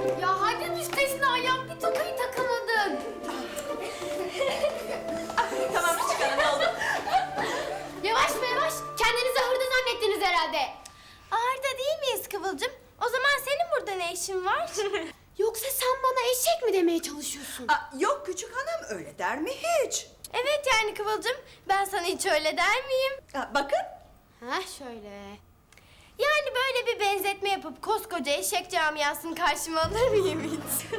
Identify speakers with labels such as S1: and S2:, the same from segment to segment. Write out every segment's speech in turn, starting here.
S1: Ya hadi müstesna ya, bir tokayı takamadın.
S2: Tamam çıkalım, ne oldu?
S1: Yavaş be yavaş, kendinizi hırda zannettiniz herhalde.
S3: Ağırda değil miyiz Kıvılcım? O zaman senin burada ne işin var?
S1: Yoksa sen bana eşek mi demeye çalışıyorsun?
S2: Yok küçük hanım, öyle der mi hiç?
S3: Evet yani Kıvılcım, ben sana hiç öyle der miyim?
S2: Bakın.
S1: Ha şöyle.
S3: Yani böyle bir benzetme yapıp koskoca eşek camiasını karşıma alır mıyım hiç?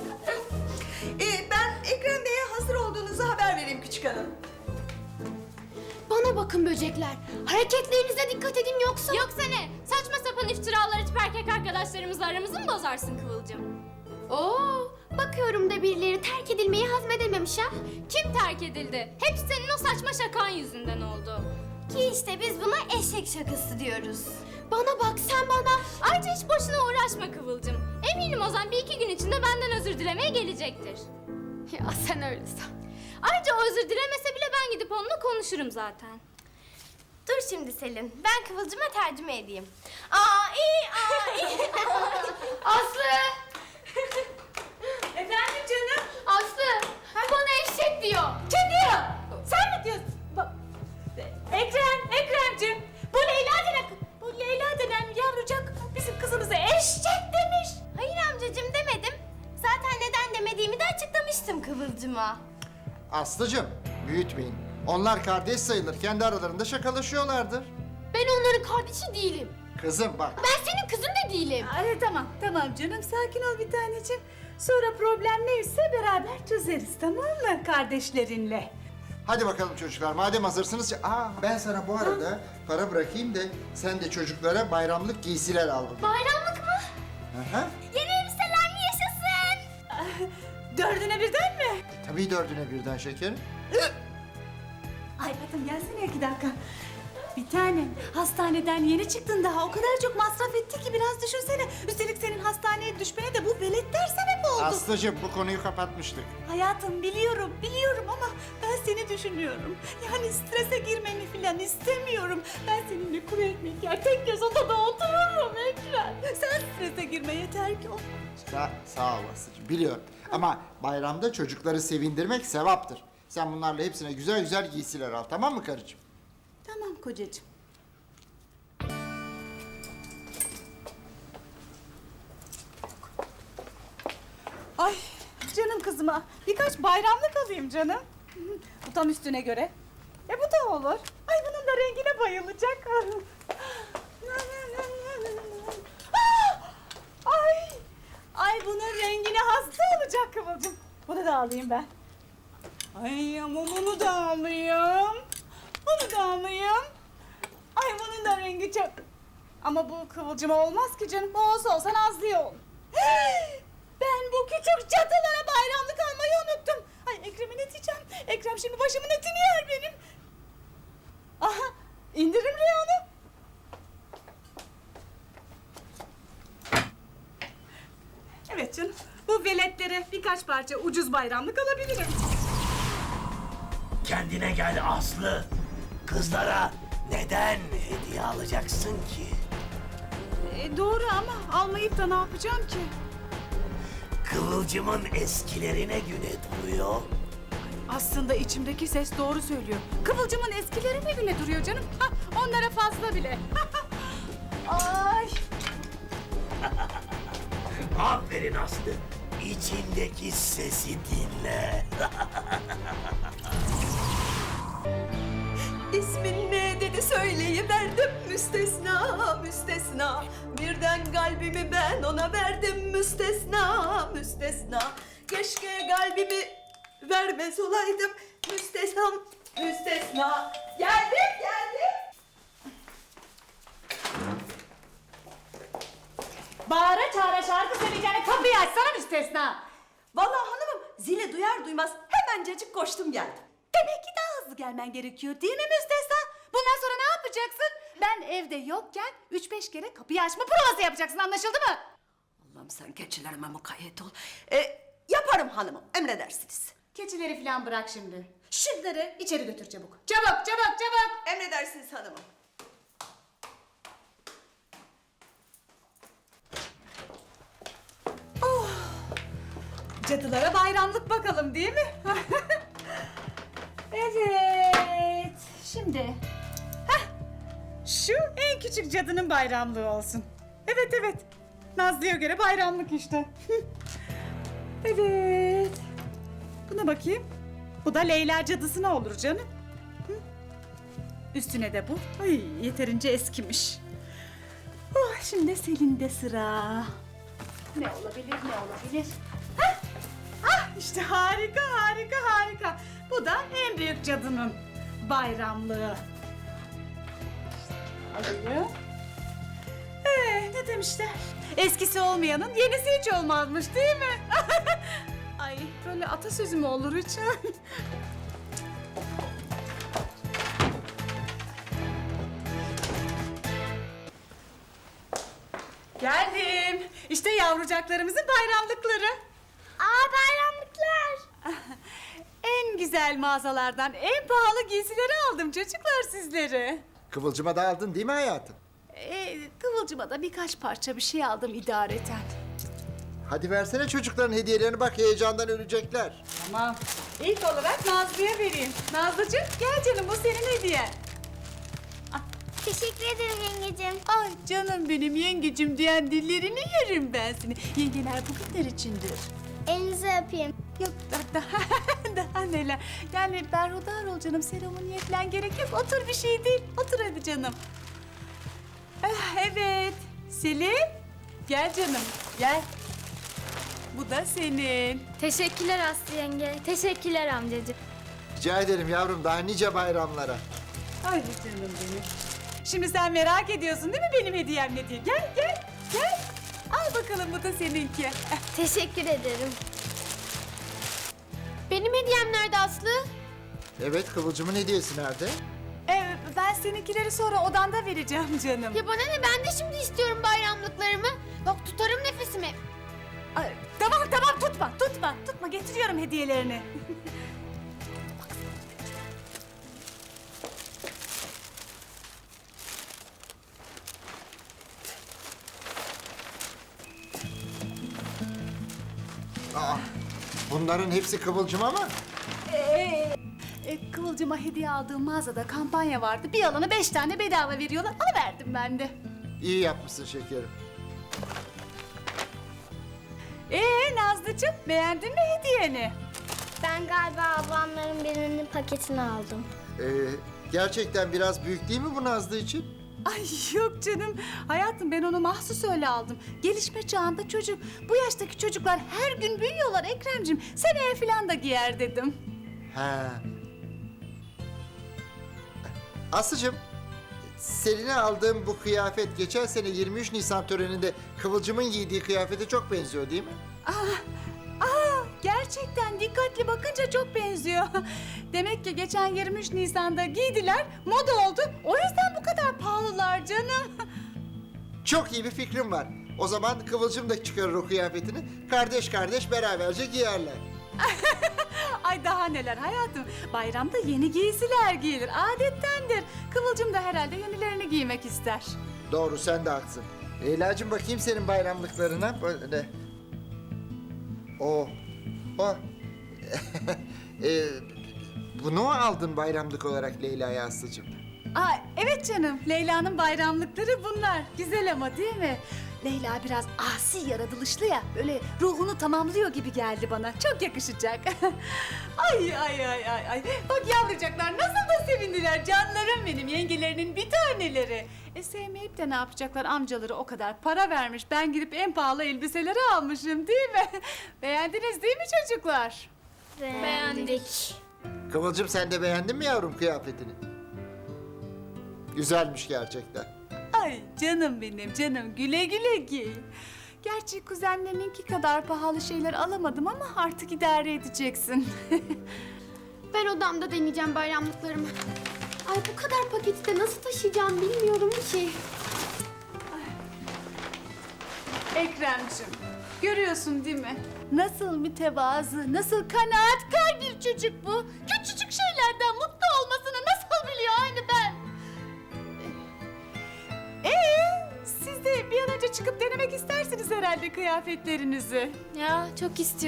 S2: Ben Ekrem Bey'e hazır olduğunuzu haber vereyim küçük hanım.
S1: Bana bakın böcekler, hareketlerinize dikkat edin yoksa...
S4: Yoksa ne? Saçma sapan iftiralar açıp erkek arkadaşlarımızla aramızı mı bozarsın Kıvılcım?
S1: Oo, bakıyorum da birileri terk edilmeyi hazmedememiş ha.
S4: Kim terk edildi? Hepsi senin o saçma şakan yüzünden oldu.
S3: Ki işte biz buna eşek şakası diyoruz.
S1: Bana bak sen bana.
S4: Ayrıca hiç boşuna uğraşma Kıvılcım. Eminim Ozan bir iki gün içinde benden özür dilemeye gelecektir.
S1: Ya sen öyle san.
S4: Ayrıca o özür dilemese bile ben gidip onunla konuşurum zaten.
S3: Dur şimdi Selin, ben Kıvılcım'a tercüme edeyim.
S1: Aslı!
S2: Efendim canım?
S1: Aslı! Bana eşek diyor.
S5: Kim diyor? Sen mi diyorsun? Ekremciğim. Bu Leyla denen yavrucak bizim kızımıza eşek demiş.
S3: Hayır amcacığım demedim. Zaten neden demediğimi de açıklamıştım Kıvılcım'a.
S6: Aslıcığım, büyütmeyin. Onlar kardeş sayılır. Kendi aralarında şakalaşıyorlardır.
S1: Ben onların kardeşi değilim.
S6: Kızım bak.
S1: Ben senin kızın da değilim.
S5: Tamam canım, sakin ol bir taneciğim. Sonra problem neyse beraber çözeriz, tamam mı kardeşlerinle?
S6: Hadi bakalım çocuklar. Madem hazırsınız. Ben sana bu arada para bırakayım da sen de çocuklara bayramlık giysiler al bugün.
S1: Bayramlık mı?
S6: Aha.
S3: Yeni elbiseler mi yaşasın?
S5: Dördüne birden mi?
S6: Tabii dördüne birden şekerim.
S5: Ay Fatım gelsene 2 dakika. Bir tanem, hastaneden yeni çıktın daha. O kadar çok masraf etti ki biraz düşünsene. Üstelik senin hastaneye düşmene de bu veletler sebep oldu.
S6: Aslıcığım bu konuyu kapatmıştık.
S5: Hayatım biliyorum ama ben seni düşünüyorum. Yani strese girmeni falan istemiyorum. Ben seninle kuru ekmek yer, tek göz odada otururum Ekrem. Sen strese girme yeter ki o.
S6: Sağ ol Aslıcığım. Biliyorum. Ama bayramda çocukları sevindirmek sevaptır. Sen bunlarla hepsine güzel güzel giysiler al. Tamam mı karıcığım?
S5: Tamam kocacığım. Ay canım kızıma birkaç bayramlık alayım canım. Bu tam üstüne göre. Bu da olur. Ay bunun da rengine bayılacak. Ay! Ay bunun rengine hasta olacak Kıvılcım. Bunu da alayım ben. Ay ama bunu da alayım. Bunu da alayım. Ay bunun da rengi çok... Ama bu Kıvılcıma olmaz ki canım. Bu olsa Nazlı'ya ol. Ben bu küçük cadılara bayramlık almayı unuttum. Ay Ekrem'e ne diyeceğim? Ekrem şimdi başımın etini yer benim. Aha indirim reyonu. Evet canım. Bu veletlere birkaç parça ucuz bayramlık alabilirim.
S7: Kendine gel Aslı. Kızlara neden hediye alacaksın ki?
S5: Doğru ama almayıp da ne yapacağım ki?
S7: Kıvılcımın eskilerine güne duruyor.
S5: Aslında içimdeki ses doğru söylüyor. Kıvılcımın eskileri ne güne duruyor canım? Onlara fazla bile. Ay.
S7: Aferin Aslı. İçindeki sesi dinle.
S2: İsmin ne dedi söyleyiverdim müstesna müstesna. Birden kalbimi ben ona verdim müstesna müstesna. Keşke kalbimi vermez olaydım müstesna müstesna. Geldim.
S5: Bağıra çağıra şarkı söyleyeceğine kapıyı açsana müstesna.
S2: Vallahi hanımım zili duyar duymaz hemencecik koştum geldim.
S5: Demek ki daha hızlı gelmen gerekiyor değil mi müstesna? Bundan sonra ne yapacaksın? Ben evde yokken 3-5 kere kapıyı açma provası yapacaksın, anlaşıldı mı?
S2: Allah'ım sen keçilerime mukayyet ol. Yaparım hanımım emredersiniz.
S5: Keçileri falan bırak şimdi. Şunları içeri götür çabuk. Çabuk.
S2: Emredersiniz hanımım.
S5: cadılara bayramlık bakalım değil mi? Evet. Şimdi. Heh, şu en küçük cadının bayramlığı olsun. Evet evet. Nazlı'ya göre bayramlık işte. Evet. Buna bakayım. Bu da Leyla cadısına olur canım. Hı? Üstüne de bu. Ay yeterince eskimiş. Oh, şimdi Selin'de sıra. Ne olabilir, ne olabilir? Hah! Ah, işte harika, harika, harika. Bu da en büyük cadının bayramlığı. İşte alayım. Ne demişler? Eskisi olmayanın yenisi hiç olmazmış değil mi? Ay böyle atasözü mü olur hiç? Geldim. İşte yavrucaklarımızın bayramlıkları.
S3: Aa bayramlıklar.
S5: En güzel mağazalardan en pahalı giysileri aldım çocuklar sizlere.
S6: Kıvılcıma da aldın değil mi hayatım?
S5: Kıvılcıma da birkaç parça bir şey aldım idareten.
S6: Hadi versene çocukların hediyelerini, bak heyecandan ölecekler.
S5: Tamam. İlk olarak Nazlı'ya vereyim. Nazlıcığım gel canım, bu senin hediyen.
S3: Teşekkür ederim yengecim.
S5: Ay canım benim yengecim diyen dillerini yerim ben seni. Yengeler bugünler içindir.
S3: Elinizi öpeyim.
S5: Yok daha neler. Yani berhudar ol canım, seremoniye falan gerek yok. Otur, bir şey değil. Otur hadi canım. Evet. Selim. Gel canım gel. Bu da senin.
S4: Teşekkürler Aslı yenge. Teşekkürler amcacığım.
S6: Rica ederim yavrum, daha nice bayramlara.
S5: Ay canım benim. Şimdi sen merak ediyorsun değil mi benim hediyem ne diye? Gel gel gel. Al bakalım, bu da seninki.
S3: Teşekkür ederim.
S1: Benim hediyem nerede Aslı?
S6: Evet, Kıvılcım'ın hediyesi nerede?
S5: Ben seninkileri sonra odanda vereceğim canım.
S1: Ya bana ne, ben de şimdi istiyorum bayramlıklarımı. Bak tutarım nefesimi.
S5: Ay, tamam tutma getiriyorum hediyelerini.
S6: Aa, bunların hepsi Kıvılcım'a mı?
S5: Kıvılcıma hediye aldığım mağazada kampanya vardı. Bir alana 5 tane bedava veriyorlar. Alıverdim ben de.
S6: İyi yapmışsın şekerim.
S5: Nazlıcığım, beğendin mi hediyeni?
S3: Ben galiba ablamların birinin paketini aldım.
S6: Gerçekten biraz büyük değil mi bu Nazlı için?
S5: Ay yok canım. Hayatım, ben onu mahsus öyle aldım. Gelişme çağında çocuk. Bu yaştaki çocuklar her gün büyüyorlar Ekremciğim. Seneye falan da giyer dedim.
S6: Ha. Aslıcığım, Selin'e aldığım bu kıyafet geçen sene 23 Nisan töreninde Kıvılcım'ın giydiği kıyafete çok benziyor değil mi?
S5: Gerçekten dikkatli bakınca çok benziyor. Demek ki geçen 23 Nisan'da giydiler, moda oldu. O yüzden bu kadar pahalılar canım.
S6: Çok iyi bir fikrim var. O zaman Kıvılcım da çıkarır o kıyafetini. Kardeş kardeş beraberce giyerler.
S5: Ay daha neler hayatım. Bayramda yeni giysiler giyilir, adettendir. Kıvılcım da herhalde yenilerini giymek ister.
S6: Doğru, sen de haklısın. Leyla'cığım, bakayım senin bayramlıklarına. Böyle. Oh. Oh. Bunu mu aldın bayramlık olarak Leyla'ya Aslıcığım?
S5: Evet canım, Leyla'nın bayramlıkları bunlar. Güzel ama değil mi? Leyla biraz asi yaratılışlı ya, böyle ruhunu tamamlıyor gibi geldi bana. Çok yakışacak. Ay. Bak yavrucaklar nasıl da sevindiler, canlarım benim, yengelerinin bir taneleri. Sevmeyip de ne yapacaklar, amcaları o kadar para vermiş. Ben gidip en pahalı elbiseleri almışım değil mi? Beğendiniz değil mi çocuklar?
S3: Beğendik.
S6: Kıvılcım, sen de beğendin mi yavrum kıyafetini? Güzelmiş gerçekten.
S5: Ay canım benim canım, güle güle giy. Gerçi kuzenlerininki kadar pahalı şeyler alamadım ama artık idare edeceksin.
S1: Ben odamda deneyeceğim bayramlıklarımı. Ay bu kadar paketi de nasıl taşıyacağım bilmiyorum ki.
S5: Ekremciğim, görüyorsun değil mi? Nasıl mütevazı, nasıl kanaatkar bir çocuk bu. Küçücük şeylerden mutlu olmasını nasıl biliyor aynı ben. Siz de bir an önce çıkıp denemek istersiniz herhalde kıyafetlerinizi.
S4: Ya çok istiyorum.